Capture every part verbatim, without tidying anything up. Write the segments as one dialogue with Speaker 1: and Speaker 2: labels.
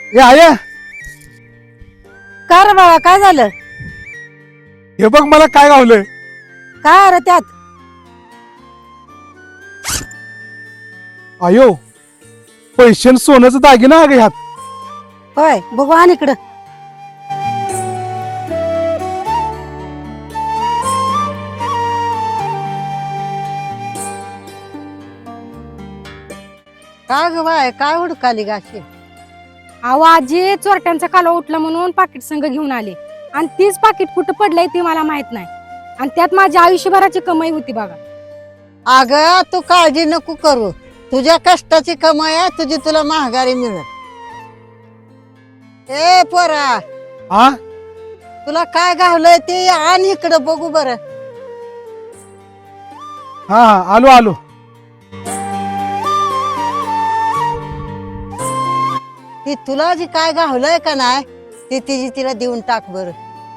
Speaker 1: ए आया
Speaker 2: का रे बाळा काय झालं?
Speaker 1: हे बघ मला काय गावलंय.
Speaker 2: काय रे त्यात?
Speaker 1: आयो पैसे आणि सोन्याचं दागिना अगं ह्यात.
Speaker 2: होय बघू आण इकडं. काय ग बाय काय हुडकाली गाशी?
Speaker 3: अहो आजी चोरट्यांचा कालवा उठला म्हणून पाकिट संघ घेऊन आले आणि तीच पाकिट कुठं पडलंय ते मला माहित नाही आणि त्यात माझ्या आयुष्यभराची कमाई होती बघा.
Speaker 2: अग तू काळजी नको करू, तुझ्या कष्टाची कमाई आहे, तुझी तुला महागारी मिळत. ए पोरा
Speaker 1: हा
Speaker 2: तुला काय गावलंय ते आण इकडं बघू बर.
Speaker 1: हा हा आलो आलो.
Speaker 2: ती तुला जी काय गावलंय का नाही ती तिची तिला देऊन टाक बर.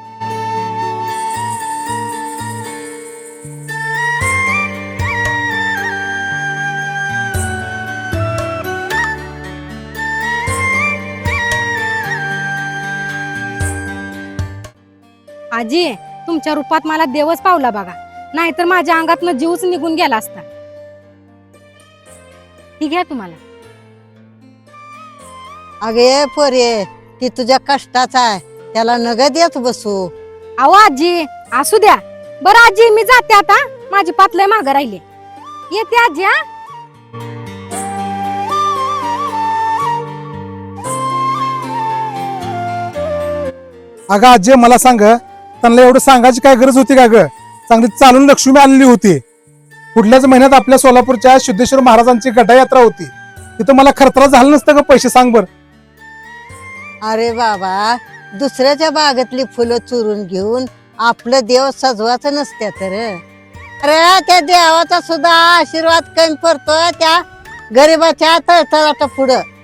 Speaker 3: आजी तुमच्या रूपात मला देवच पावला बघा, नाहीतर माझ्या अंगातनं जीवच निघून गेला असता. ठीक घ्या तुम्हाला.
Speaker 2: अगे पोरे ती तुझ्या कष्टाचा आहे, त्याला नगद येत बसू.
Speaker 3: अहो आजी असू द्या. बरं आजी मी जाते आता, माझी पातलय मागं राहिले. येते आजी. हा
Speaker 1: अगं आजी मला सांग, त्यांना एवढं सांगायची काय गरज होती का ग? चांगली चालून लक्ष्मी आलेली होती. पुढल्याच महिन्यात आपल्या सोलापूरच्या सिद्धेश्वर महाराजांची गटायात्रा होती. तिथं मला खर्च झालं नसतं का पैसे सांग बर.
Speaker 2: अरे बाबा दुसऱ्याच्या बागेतली फुलं चुरून घेऊन आपलं देव सजवायचं नसत्या तर. अरे त्या देवाचा सुद्धा आशीर्वाद कमी पडतो त्या गरीबाच्या तळतळाटा पुढं.